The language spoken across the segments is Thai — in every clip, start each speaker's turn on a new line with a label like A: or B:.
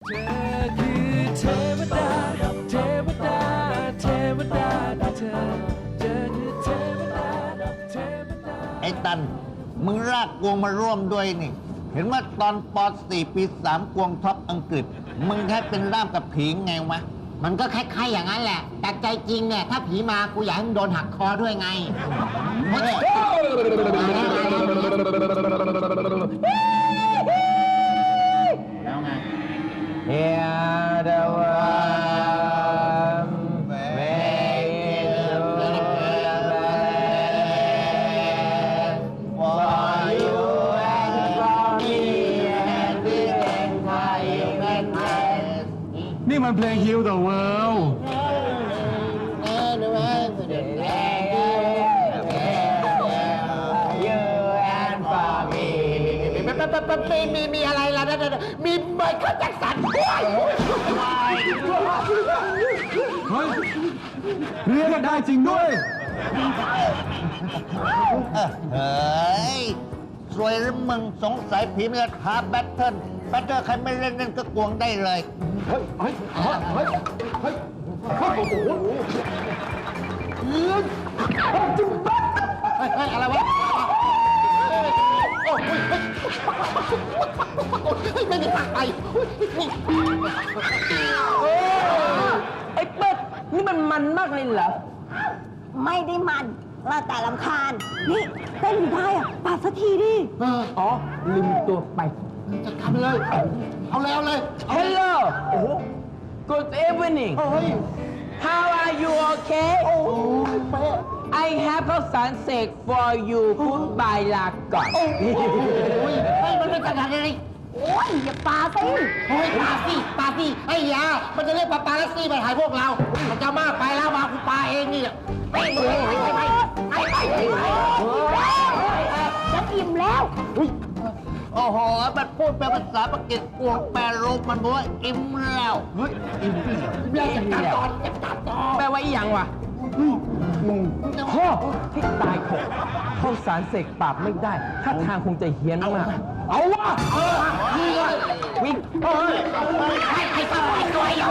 A: เธอคือเทวดา เทวดา เทวดาเธอคือเทวดา เทวดา
B: ไอ้ตัน มึงรากกวงมาร่วมด้วยนี่ เห็นว่าตอนป .4 ปี 3 กวงท็อปอังกฤษ มึงแค่เป็นร่ามกับผีไงวะ
C: มันก็คล้ายๆอย่างนั้นแหละ แต่ใจจริงเนี่ย ถ้าผีมากูอยากให้มึงโดนหักคอด้วยไง แล้วไง
D: Hear the worm make it for you and for me and we can fly you can fly
E: นี่มันเพลง Heal the World
C: มีอะไรล่ะมีไมเคิลแจ็คสัน
E: เฮ้ย เรียกได้จริงด้วย
B: เฮ้ย สวยหรือมึงสงสัยผีมันจะท้าแบทเทิลใครไม่เล่นก็กวงได้เลย
E: เฮ้ย เฮ้ย เฮ้ย เฮ้ย เฮ้ย โอ้โห
C: อะไรวะไม่มีทางไป
D: ไอ้เป็ดนี่มันมากเลยเหรอ
F: ไม่ได้มันเราแต่ลำคาญ นี่เต้นอยู่ได้อะปาดสักทีดิ
D: อ๋อ ลืมตัวไป
C: จะทำเลย เอาเลย
D: Hello Good evening How are you okay I have ข้าวสารเสก for you Goodbye ลาก่อน
C: มันไม่ขนาดนี้
F: โอ้ยอย่าปาสิ
C: เฮ้ยปาซี่ไอ้ยามันจะเรียกปาลัสซี่มาถ่ายพวกเรา มันจะมากไปแล้วมากูปาเองนี่ไป
F: จะอิ่มแล้ว
B: โอ้โห มันพูดเป็นภาษาปากีสกวงแปลรูปมันบอกว่าอิ่มแล้ว
D: แปลว่าอีหยังวะพ่อที่ตายโหงข้าวสารเสกปราบไม่ได้ ถ้าทางคงจะเฮี้ยนมาก เอาวะวิ่ง
C: ไอ้ตัวใหญ่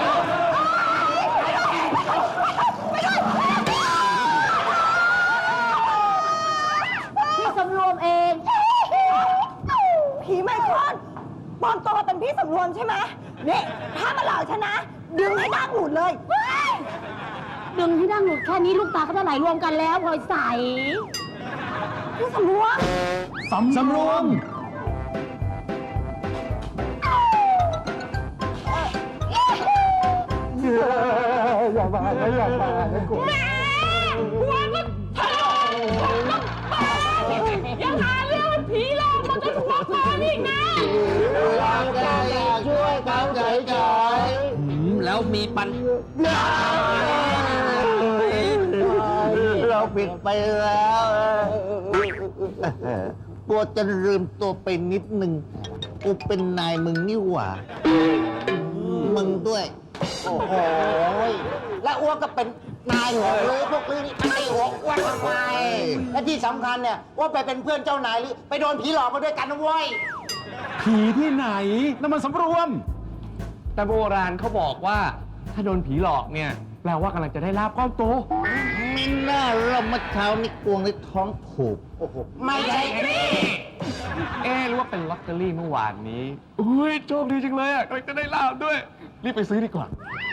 F: พี่สำรวมเอง ผีไมโครปลอมตัวมาเป็นพี่สำรวมใช่ไหมนี่ถ้ามาหลอกฉันนะ ดึงให้ดั้งหลุดเลย
G: ดึงที่ดั้งหลุดแค่นี้ลูกตาก็จะไหลรวมกันแล้วพลอยใส
F: พี่สำรวม
E: สำรวม อย่ามาอย่ามากู
G: ยังหาเรื่องเป็นผีหลอกมันจะหัวคอนี่นะ
B: เราจะอยากช่วยเขาเฉย
C: แล้วมีปัญ
B: ๆเราผิดไปแล้วกลัวจะลืมตัวไปนิดหนึ่งกูเป็นนายมึงนี่หว่า มึงด้วย
C: โอ้โหและอ้วกก็เป็นนายหัวหรือพวกลือนี่นายหัวอ้วนทำไมและที่สำคัญเนี่ยว่าไปเป็นเพื่อนเจ้านายหรือไปโดนผีหลอกมาด้วยกันนะเว้ย
E: ผีที่ไหนนั่นมันสำรวม
H: แต่โบราณเขาบอกว่าถ้าโดนผีหลอกเนี่ยแปลว่ากำลังจะได้ลาบก้อนโต
B: มิน่าเราเมื่อเช้านี่กวงในท้องผูก
C: ไม่ใช่
H: หรือว่าเป็นลอตเตอรี่เมื่อวานนี้อุ้ยโชคดีจังเลยอ่ะกำลังจะได้ลาบด้วย รีบไปซื้อดีกว่า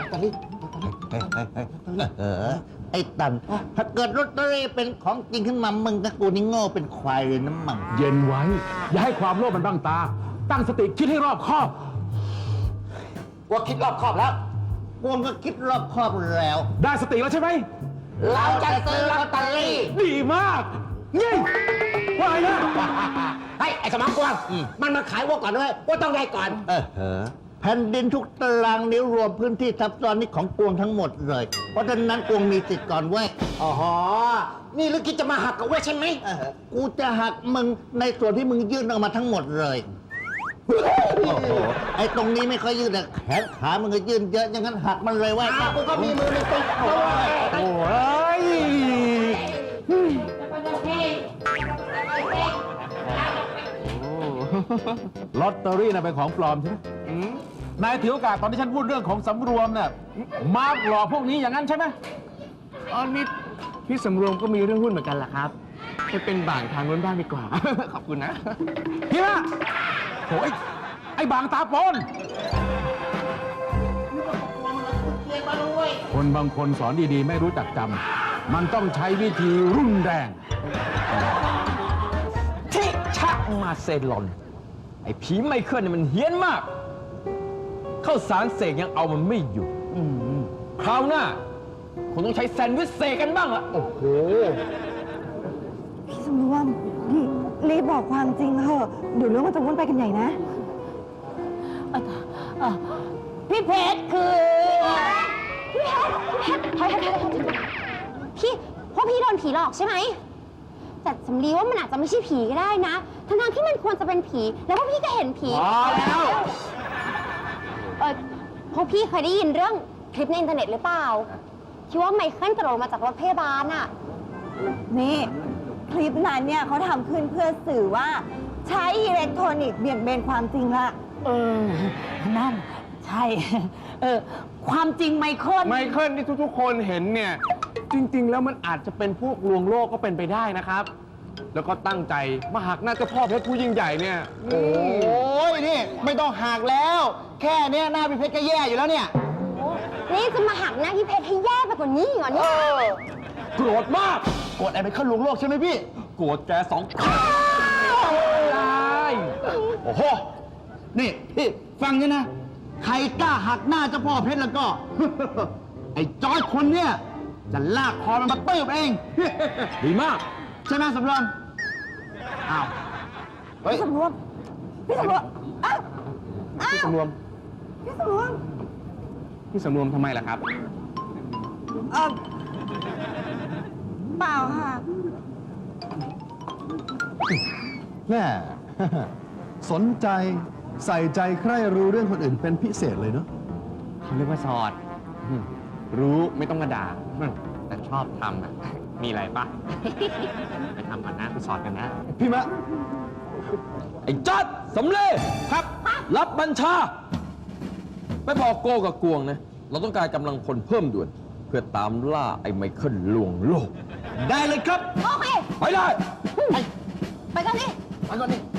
B: ไอ้ตัน ถ้าเกิดลอตเตอรี่เป็นของจริงขึ้นมามึงกับกูนี่โง่เป็นควายเลยนะมัง
E: เย็นไว้ อย่าให้ความโลภมันบังตา ตั้งสติคิดให้รอบคอบ
C: ว่าคิดรอบคอบแล้ว
B: กวงก็คิดรอบคอบแล้ว
E: ได้สติแล้วใช่ไหม
C: เราจะซื้อลอตเตอรี่
E: ดีมากนี่ว่าไงนะ
C: เฮ้ยไอ้สมองกวางมันมาขายวัวก่อนด้วยว่าต้องได้ก่อน
B: แผ่นดินทุกตารางนิ้วรวมพื้นที่ทับซ้อนนี่ของกวงทั้งหมดเลย เพราะฉะนั้นกวงมีสิทธิ์ก่อนเว้ย
C: อ๋อ นี่ลึกคิดจะมาหักกับว่าใช่ไหม
B: กูจะหักมึงในส่วนที่มึงยื่นออกมาทั้งหมดเลย โอ้โห ไอ้ตรงนี้ไม่ค่อยยื่นแต่แขนขามึงก็ยื่นเยอะอย่างนั้นหักมันเลยเว้ย
C: กูก็มีมือในติ๊กด้วย
E: โอ้ยลอตเตอรี่น่ะเป็นของปลอมใช่ไหมนายถือโอกาสตอนที่ฉันพูดเรื่องของสำรวมเนี่ยมาหลอกพวกนี้อย่างนั้นใช่ไหม
H: อ๋อนี่พี่สำรวมก็มีเรื่องหุ้นเหมือนกันล่ะครับไปเป็นบ่างทางนู้นบ้างดีกว่า ขอบคุณนะ
E: พี่ละโอ้ยไอ้บางตาปนคนบางคนสอนดีๆ ไม่รู้จักจำ มันต้องใช้วิธีรุนแรง
D: ทิชะมาเซลอน ไอ้ผีไมเคิลเนี่ยมันเฮี้ยนมาก เข้าสารเสกยังเอามันไม่อยู่คราวหน้าคงต้องใช้แซนด์วิชเสกกันบ้างละโอ้โห
F: พี่สำรวมรีบบอกความจริงเถอะเดี๋ยวเรื่องมันจะวุ่นไปกันใหญ่นะ
G: พี่เพชรคือพี่เพชรพี่เพราะพี่โดนผีหลอกใช่ไหมแต่สำลีว่ามันอาจจะไม่ใช่ผีก็ได้นะทั้งๆที่มันควรจะเป็นผี แล้วพวกพี่ก็เห็นผี
E: พอแล้ว
G: พวกพี่เคยได้ยินเรื่องคลิปในอินเทอร์เน็ตหรือเปล่าที่ว่าไมเคิลกระโดดมาจากรถพยาบาลอะ
F: นี่คลิปนั้นเนี่ยเขาทำขึ้นเพื่อสื่อว่าใช้อิเล็กทรอนิกส์เบี่ยงเบนความจริงละ
G: นั่นใช่ ความจริงไมเคิล
H: ไมเคิลที่ทุกๆ คนเห็นเนี่ย จริง ๆ แล้วมันอาจจะเป็นพวกลวงโลกก็เป็นไปได้นะครับ แล้วก็ตั้งใจมาหักหน้าเจ้าพ่อเพชรผู้ยิ่งใหญ่เนี่ย
C: โอ้ยนี่ไม่ต้องหักแล้ว แค่เนี้ยหน้าพี่เพชรก็แย่อยู่แล้วเนี่ย
G: นี่จะมาหักหน้าพี่เพชรให้แย่ไปกว่านี้เหรอเนี่ย
D: โกรธมาก
C: กดไอ้ไปขึ้นลวงโลกใช่ไหมพี่
D: โกรธแกสองคนได้
C: โอ้โห นี่พี่ฟังนี่นะ ใครกล้าหักหน้าเจ้าพ่อเพชรแล้วก็ ไอ้จอร์จคนเนี้ยจะลากคอมันมาตื้บเอง
D: ดีมาก
C: ใช่ไหมสำรวมอ้าวเฮ้ย
F: พี่สำรวมอ้าว
H: พี่สำรวม
F: พี่สำรวม
H: พี่สำรวมทำไมล่ะครับ
F: เปล่าค่ะ
E: แม่ สนใจใส่ใจใคร่รู้เรื่องคนอื่นเป็นพิเศษเลยเนาะ
H: เขาเรียกว่าสอด รู้ไม่ต้องมาด่า แต่ชอบทำอ่ะ มีอะไรปะ ไปทำกันนะไปสอดกันนะ
E: พี่มะ
D: ไอ้จัดสำเร็จครับ รับบัญชา ไปบอกโก้กับกวงนะ เราต้องการกำลังพลเพิ่มด่วน เพื่อตามล่าไอ้ไมเคิลลวงโลก
C: ได้เลยครับ
G: โอเค
D: ไปได้
G: ไปกันดิ
C: ไปก่อนดิ